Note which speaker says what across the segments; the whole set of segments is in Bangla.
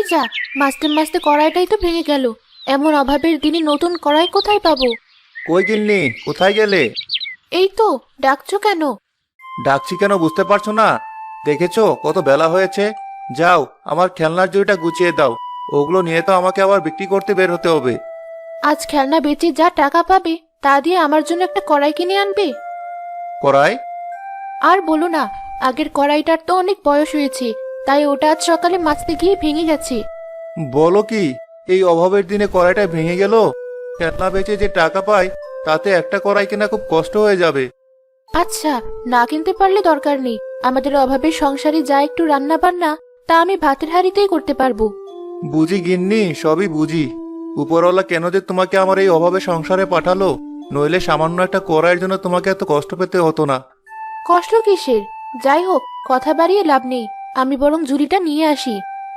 Speaker 1: যা, মাঝতে মাঝতে কড়াইটাই তো ভেঙে গেল। এমন অভাবের দিনে নতুন কড়াই কোথায় পাবো?
Speaker 2: কই গিন্নি, কোথায় গেলে?
Speaker 1: এই তো, ডাকছো কেন?
Speaker 2: ডাকছি কেন বুঝতে পারছো না? দেখেছো কত বেলা হয়েছে? যাও, আমার খেলনার ঝুড়িটা গুছিয়ে দাও। ওগুলো নিয়ে তো আমাকে আবার বিক্রি করতে বের হতে হবে।
Speaker 1: আজ খেলনা বেচে যা টাকা পাবে তা দিয়ে আমার জন্য একটা কড়াই কিনে আনবে।
Speaker 2: কড়াই?
Speaker 1: আর বলো না, আগের কড়াইটার তো অনেক বয়স হয়েছে, তাই ওটা আজ সকালে মাজতে গিয়ে ভেঙে গেছে।
Speaker 2: বলো কি, এই অভাবের দিনে কড়াইটা ভেঙে গেল? খেলনা বেচে যে টাকা পাই তাতে একটা কড়াই কেনা খুব কষ্ট হয়ে যাবে।
Speaker 1: আচ্ছা, না কিনতে পারলে দরকার নেই। আমাদের অভাবের সংসারে যা একটু রান্না বান্না তা আমি ভাতের হাঁড়িতেই করতে পারবো।
Speaker 2: বুঝি গিন্নি, সবই বুঝি। উপরওয়ালা কেন যে তোমাকে আমার এই অভাবে সংসারে পাঠালো, নইলে সামান্য একটা কড়াইয়ের জন্য তোমাকে এত কষ্ট পেতে হতো না।
Speaker 1: কষ্ট কিসের? যাই হোক, কথা বাড়িয়ে লাভ নেই, আমি বরং ঝুড়িটা নিয়ে আসি।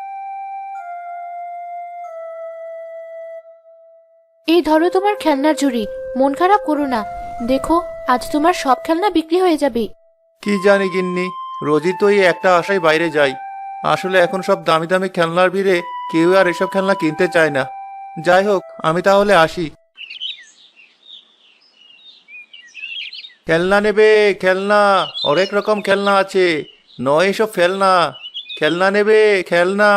Speaker 1: এই ধরো তোমার খেলনার ঝুড়ি। মন খারাপ করো না, দেখো আজ তোমার সব খেলনা বিক্রি হয়ে যাবে।
Speaker 2: কি জানি গিন্নি, রোজই তো এই একটা আশায় বাইরে যাই। আসলে এখন সব দামি দামি খেলনার ভিড়ে কেউ আর এসব খেলনা কিনতে চায় না। যাই হোক, আমি তাহলে আসি। খেলনা নেবে? খেলনা, অনেক রকম খেলনা আছে। নয় এসব খেলনা। খেলনা নেবে? খেলনা।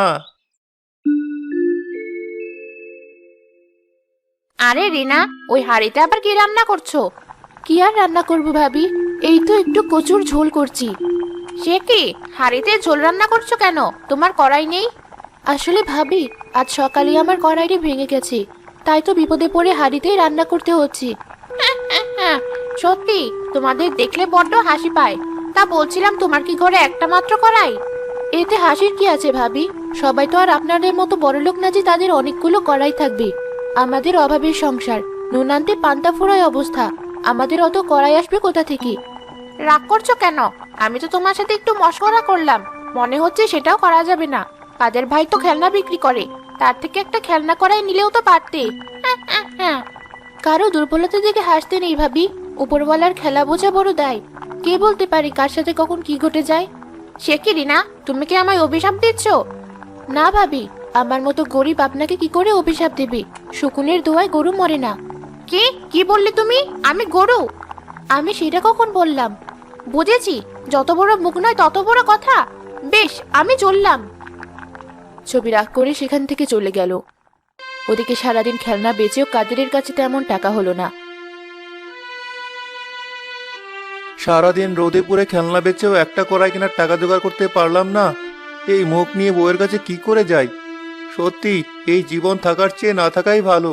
Speaker 1: আরে রিনা, ওই হাঁড়িতে আবার কি রান্না করছো? কি আর রান্না করবো ভাবি, এই তো একটু কচুর ঝোল করছি। সে কি, হাঁড়িতে ঝোল রান্না করছো কেন? তোমার কড়াই নেই? আসলে ভাবি, আজ সকালে আমার কড়াইটি ভেঙে গেছে, তাই তো বিপদে পড়ে হাঁড়িতেই রান্না করতে হচ্ছে। সত্যি, তোমাদের দেখলে বড্ড হাসি পায়। তা বলছিলাম, তোমার কি ঘরে একটা মাত্র কড়াই? এতে হাসির কি আছে ভাবি? সবাই তো আর আপনাদের মতো বড়লোক না যে তাদের অনেকগুলো কড়াই থাকবে। আমাদের অভাবের সংসার, নুন আনতে পান্তা ফোড়ায় অবস্থা। আমাদের অত কড়াই আসবে কোথা থেকে? রাগ করছো কেন? আমি তো তোমার সাথে একটু মশকরা করলাম। মনে হচ্ছে সেটাও করা যাবে না। কাদের ভাই তো খেলনা বিক্রি করে, তার থেকে একটা খেলনা কড়াই নিলেও তো পারতে। কারো দুর্বলতা দেখে হাসতে নেই ভাবি। উপরওয়ালার খেলা বোঝা বড় দায়। কে বলতে পারি কার সাথে কখন কি ঘটে যায়। সে কি রিনা, তুমি কি আমায় অভিশাপ দিচ্ছ? না ভাবি, আমার মতো গরিব আপনাকে কি করে অভিশাপ দেবে? শকুনের দোয়ায় গরু মরে না। কি কি বললে তুমি? আমি গরু? আমি সেটা কখন বললাম? বুঝেছি, যত বড় মুখ নয় তত বড় কথা। বেশ, আমি চললাম। ছবি রাগ করে সেখান থেকে চলে গেল। ওদিকে সারাদিন খেলনা বেচেও কাদেরের কাছে তেমন টাকা হলো না।
Speaker 2: সারাদিন রোদে পুড়ে খেলনা বেচেও একটা কড়াই কেনার টাকা জোগাড় করতে পারলাম না। এই মুখ নিয়ে বউয়ের কাছে কি করে যাই? সত্যি, এই জীবন থাকার চেয়ে না থাকাই ভালো।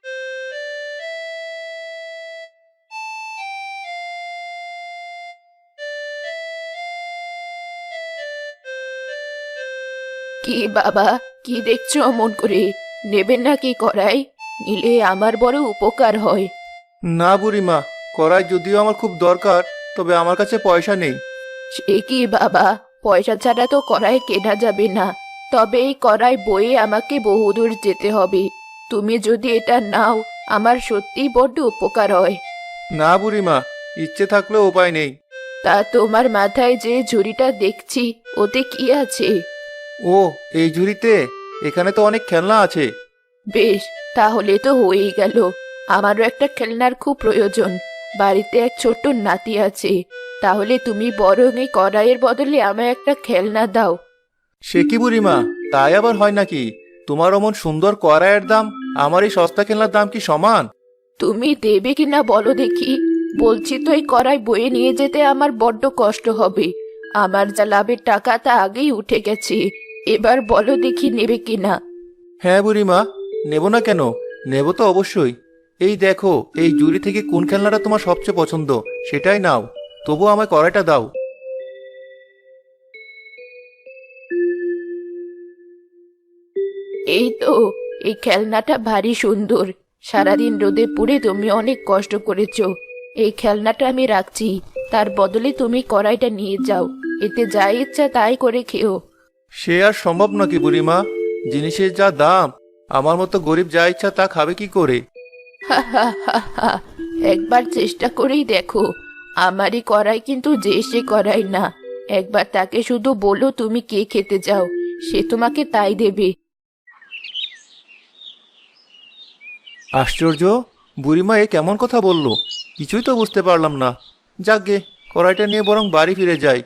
Speaker 1: কি বাবা, কি দেখছো অমন করে? নেবেন নাকি কড়াই? নিলে আমার বড় উপকার হয়।
Speaker 2: না বুড়িমা, কড়াই যদিও আমার খুব দরকার, তবে আমার কাছে পয়সা নেই।
Speaker 1: সে কি বাবা, পয়সা ছাড়া তো কড়াই কেনা যাবে না। তবে এই কড়াই বয়ে আমাকে বহুদূর যেতে হবে। তুমি যদি এটা নাও, আমার সত্যিই বড্ড উপকার হয়।
Speaker 2: না বুড়িমা, ইচ্ছে থাকলেও উপায় নেই।
Speaker 1: তা তোমার মাথায় যে ঝুড়িটা দেখছি, ওতে কি আছে?
Speaker 2: ও, এই ঝুড়িতে? এখানে তো অনেক খেলনা আছে।
Speaker 1: বেশ, তাহলে তো হয়েই গেল। আমারও একটা খেলনার খুব প্রয়োজন। বাড়িতে এক ছোট্ট নাতি আছে। তাহলে তুমি বরং এই কড়াইয়ের বদলে আমায় একটা খেলনা দাও।
Speaker 2: সে কি বুড়িমা, তাই আবার হয় নাকি? তোমার অমন সুন্দর কড়াইয়ের দাম আমার এই সস্তা খেলনার দাম কি সমান?
Speaker 1: তুমি দেবে কিনা বলো দেখি। বলছি তো, এই কড়াই বয়ে নিয়ে যেতে আমার বড্ড কষ্ট হবে। আমার যা লাভের টাকা তা আগেই উঠে গেছে। এবার বলো দেখি নেবে কিনা।
Speaker 2: হ্যাঁ বুড়িমা, নেব না কেন? নেব তো অবশ্যই। এই দেখো, এই জুড়ি থেকে কোন খেলনাটা তোমার সবচেয়ে পছন্দ সেটাই নাও। তবু আমায় কড়াইটা দাও।
Speaker 1: এই তো, এই খেলনাটা ভারী সুন্দর। সারাদিন রোদে পুড়ে তুমি অনেক কষ্ট করেছো। এই খেলনাটা আমি রাখছি, তার বদলে তুমি কড়াইটা নিয়ে যাও। এতে যা ইচ্ছা তাই করে খেও।
Speaker 2: সে আর সম্ভব নাকি বুড়িমা? জিনিসের যা দাম, আমার মতো গরিব যা ইচ্ছা তা খাবে কি করে?
Speaker 1: হা হা হা হা। একবার চেষ্টা করেই দেখো। আমারই কড়াই কিন্তু যে সে কড়াই না। একবার তাকে শুধু বলো তুমি কে খেতে চাও, সে তোমাকে তাই দেবে।
Speaker 2: আশ্চর্য, বুড়িমা এ কেমন কথা বলল? কিছুই তো বুঝতে পারলাম না। যাকগে, কড়াইটা নিয়ে বরং বাড়ি ফিরে যাই।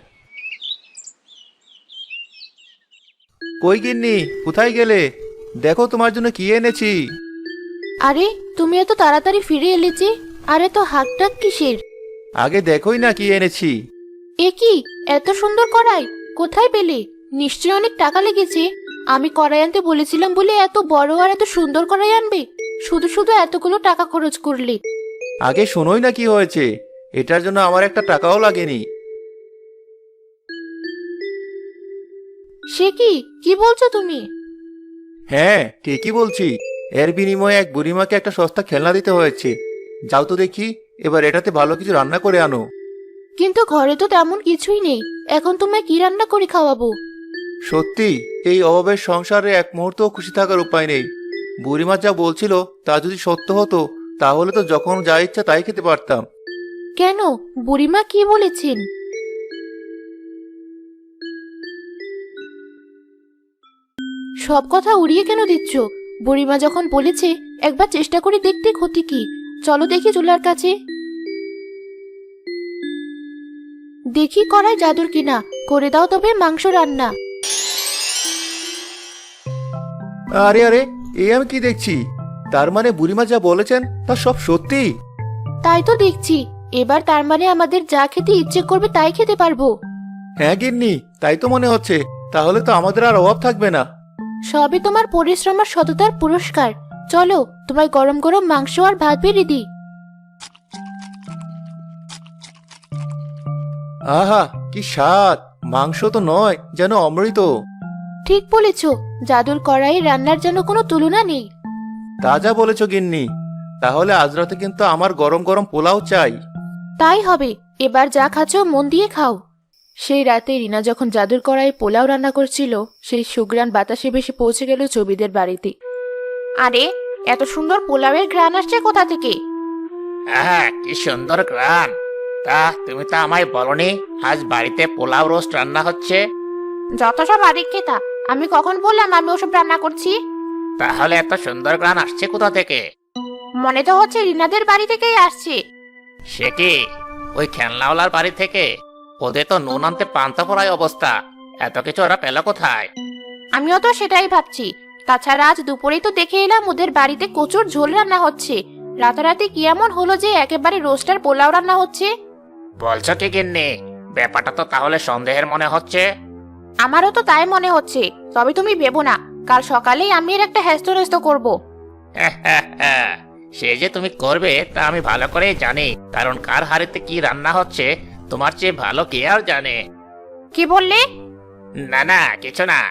Speaker 2: কই গিন্নি, কোথায় গেলে? দেখো তোমার জন্য কি এনেছি।
Speaker 1: আরে, তুমি এত তাড়াতাড়ি ফিরে এলে যে? আরে তো হাক ডাক কিসের?
Speaker 2: আগে দেখোই না কি এনেছি।
Speaker 1: এ কি, এত সুন্দর কড়াই কোথায় পেলে? নিশ্চয়ই অনেক টাকা লেগেছে। আমি কড়াই আনতে বলেছিলাম বলে এত বড় আর এত সুন্দর কড়াই আনবে? শুধু শুধু এতগুলো টাকা খরচ করলে।
Speaker 2: আগে শোনোই না কি হয়েছে। এটার জন্য আমার একটা টাকাও লাগেনি।
Speaker 1: সে কি, কি বলছো তুমি?
Speaker 2: হ্যাঁ, ঠিকই বলছি। এর বিনিময়ে এক বুড়িমাকে একটা সস্তা খেলনা দিতে হয়েছে। যাও তো দেখি, এবার এটাতে ভালো কিছু রান্না করে আনো।
Speaker 1: কিন্তু ঘরে তো তেমন কিছুই নেই। এখন তোমায় কি রান্না করে খাওয়াবো?
Speaker 2: সত্যি, এই অভাবের সংসারে এক মুহূর্তও খুশি থাকার উপায় নেই। বুড়িমা যা বলছিল তা যদি সত্য হতো, তাহলে তো যখন যা ইচ্ছা তাই খেতে পারতাম।
Speaker 1: কেন, বুড়িমা কি বলেছেন? সব কথা উড়িয়ে কেন দিচ্ছ? বুড়িমা যখন বলেছে একবার চেষ্টা করে দেখতে ক্ষতি কি? চলো দেখি চুলার কাছে। দেখি কড়াই জাদুর কিনা, করে দাও তবে মাংস রান্না।
Speaker 2: আরে আরে, এই আমি কি দেখছি? তার মানে বুড়িমা যা বলেছেন তা সব সত্যি?
Speaker 1: তাই তো দেখছি। এবার তার মানে আমাদের যা খেতে ইচ্ছে করবে তাই খেতে পারবো।
Speaker 2: হ্যাঁ গিন্নি, তাই তো মনে হচ্ছে। তাহলে তো আমাদের আর অভাব থাকবে না।
Speaker 1: সবই তোমার পরিশ্রম আর সততার পুরস্কার। চলো, তোমায় গরম গরম মাংস আর ভাত বেড়ে দিই।
Speaker 2: আহা, কি স্বাদ! মাংস তো নয়, যেন অমৃত।
Speaker 1: ঠিক বলেছ, জাদুর কড়াই রান্নার জন্য কোনো তুলনা নেই।
Speaker 2: তা যা বলেছ গিন্নি। তাহলে আজ রাতে কিন্তু আমার গরম গরম পোলাও চাই।
Speaker 1: তাই হবে। এবার যা খাচ্ছ মন দিয়ে খাও। সেই রাতে রিনা যখন জাদুর কড়াইয়ে পোলাও রান্না করছিল, সেই সুগ্রাণ বাতাসে ভেসে পৌঁছে গেল ছবিদের বাড়িতে। আরে, এত সুন্দর পোলাওয়ের ঘ্রাণ আসছে কোথা থেকে?
Speaker 3: হ্যাঁ, কি সুন্দর গ্রান। তা তুমি তো আমায় বলনি আজ বাড়িতে পোলাও রোস্ট রান্না হচ্ছে?
Speaker 1: যত সব আদিক খেতা, আমি কখন বললাম আমি ওসব রান্না করছি?
Speaker 3: তাহলে এত সুন্দর গ্রান আসছে কোথা থেকে?
Speaker 1: মনে তো হচ্ছে রিনাদের বাড়ি থেকেই আসছে।
Speaker 3: সে কি, ওই খেলনাওয়ালার বাড়ি থেকে? ওদের তো নুন আনতে পান্তা পড়ায় অবস্থা। এত কিছু ওরা পেল কোথায়?
Speaker 1: আমিও তো সেটাই ভাবছি। তাছাড়া আজ দুপুরেই তো দেখে এলাম ওদের বাড়িতে কচুর ঝোল রান্না হচ্ছে। রাতারাতি কি এমন হলো যে একেবারে রোস্টার পোলাও রান্না হচ্ছে?
Speaker 3: বলছো কি গিন্নি? ব্যাপারটা তো তাহলে সন্দেহের মনে হচ্ছে।
Speaker 1: আমারও তো তাই মনে হচ্ছে। তবে তুমি ভেবো না, কাল সকালেই আমি এর একটা হ্যাস্ত করব।
Speaker 3: সে যে তুমি করবে তা আমি ভালো করেই জানি, কারণ কার হাড়িতে কি রান্না হচ্ছে তোমার চেয়ে ভালো কে আর জানে।
Speaker 1: কি বললে?
Speaker 3: না না, কিছু না।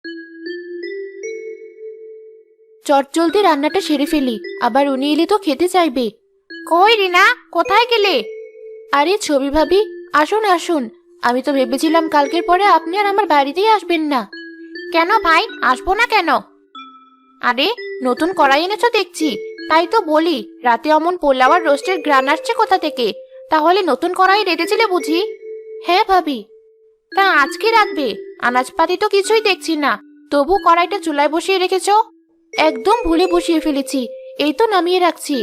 Speaker 1: চটজলদি রান্নাটা সেরে ফেলি, আবার উনি এলে তো খেতে চাইবে। কই রিনা, কোথায় গেলে? আরে ছবি ভাবি, আসুন আসুন। আমি তো ভেবেছিলাম কালকের পরে আপনি আর আমার বাড়িতেই আসবেন না। কেন ভাই, আসবো না কেন? আরে, নতুন কড়াই এনেছো দেখছি। তাই তো বলি, রাতে অমন পোলাও আর রোস্টের ঘ্রাণ আসছে কোথা থেকে? তাহলে নতুন কড়াই রেঁধেছিলে বুঝি? হ্যাঁ ভাবি। তা আজকে রাখবে? আনাজপাতি তো কিছুই দেখছি না। তবু কড়াইটা চুলায় বসিয়ে রেখেছো? একদম ভুলে বসিয়ে ফেলেছি। এই তো নামিয়ে রাখছি।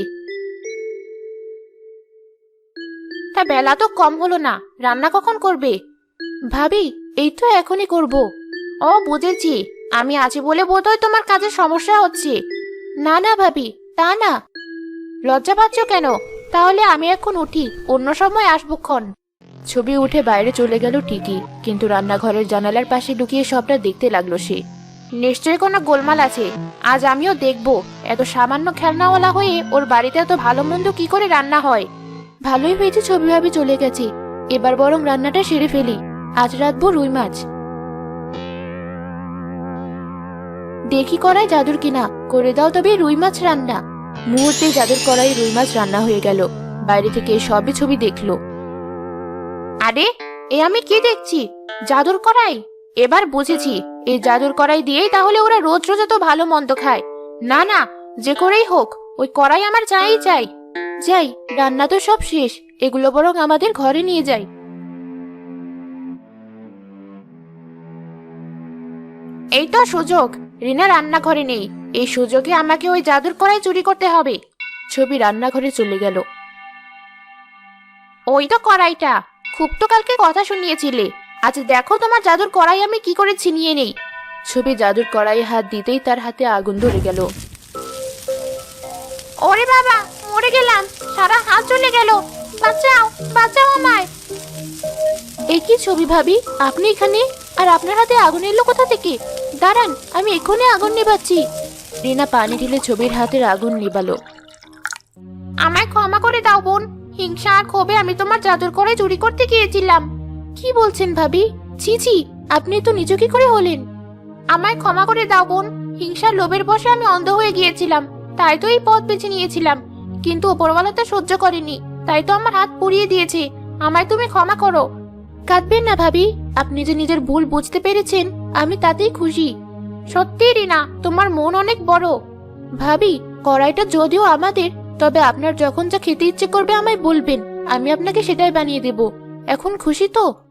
Speaker 1: তা বেলা তো কম হলো না, রান্না কখন করবে? ভাবি, এই তো এখনই করব। ও বুঝেছি, আমি আছি বলে বোধহয় তোমার কাজে সমস্যা হচ্ছে। না না ভাবি, তা না। লজ্জা পাচ্ছ কেন? তাহলে আমি এখন উঠি, অন্য সময় আসবক্ষণ। ছবি উঠে বাইরে চলে গেল ঠিকই, কিন্তু রান্নাঘরের জানালার পাশে লুকিয়ে সবটা দেখতে লাগলো সে। নিশ্চয়ই কোনো গোলমাল আছে। আজ আমিও দেখব, এত সামান্য খেলনাওয়ালা হয়ে ওর বাড়িতে এত ভালো মন্দ কি করে রান্না হয়। ভালোই হয়েছে ছবি ভাবি চলে গেছে। এবার বরং রান্নাটা সেরে ফেলি। আজ রাঁধবো রুই মাছ। দেখি কড়াই জাদুর কিনা, করে দাও তবে রুই মাছ রান্না। মুহূর্তে জাদুর কড়াই রুই মাছ রান্না হয়ে গেল। বাইরে থেকে সবই ছবি দেখলো। আরে, এ আমি কি দেখছি? জাদুর কড়াই! এবার বুঝেছি, এই জাদুর কড়াই দিয়েই তাহলে ওরা রোজ রোজ এত ভালো মন্দ খায়। না না, যে করেই হোক ওই কড়াই আমার চাই চাই। যাই, রান্না তো সব শেষ, এগুলো বরং আমাদের ঘরে নিয়ে যাই। এই তো সুযোগ। রিনা রান্নাঘরে নেই, এই সুযোগে আমাকে ওই জাদুর কড়াই চুরি করতে হবে। ছবি রান্নাঘরে চলে গেল। ওই তো কড়াইটা, খুব তো কালকে কথা শুনিয়েছিলে, আজ দেখো তোমার জাদুর কড়াই আমি কি করে ছিনিয়ে নেই। ছবি জাদুর কড়াইয়ে হাত দিতেই তার হাতে আগুন ধরে গেল। ওরে বাবা, মরে গেলাম, সারা হাত জ্বলে গেল, বাঁচাও বাঁচাও আমায়। এ কি ছবি ভাবি, আপনি এখানে? আর আপনার হাতে আগুন এলো কোথা থেকে? দাঁড়ান, আমি এক্ষুনি আগুন নেভাচ্ছি। রিনা পানি ঢেলে ছবির হাতের আগুন নেভালো। আমায় ক্ষমা করে দাও বোন, হিংসা আর ক্ষোভে আমি তোমার জাদুর কড়াই চুরি করতে গিয়েছিলাম। কি বলছেন ভাবি? ছি ছি, আপনি তো নিজ কি করে হলেন? আমায় ক্ষমা করে দাও বোন, হিংসার লোভের বশে আমি অন্ধ হয়ে গিয়েছিলাম, তাই তো এই পথ বেছে নিয়েছিলাম। কিন্তু উপরওয়ালা তা সহ্য করেনি, তাই তো আমার হাত পুড়িয়ে দিয়েছে। আমায় তুমি ক্ষমা করো। কাঁদবেন না ভাবি, আপনি যে নিজের ভুল বুঝতে পেরেছেন, আমি তাতেই খুশি। সত্যি রিনা, তোমার মন অনেক বড়। ভাবি, কড়াইটা যদিও আমাদের, তবে আপনার যখন যা খেতে ইচ্ছে করবে আমায় বলবেন, আমি আপনাকে সেটাই বানিয়ে দেব। এখন খুশি তো?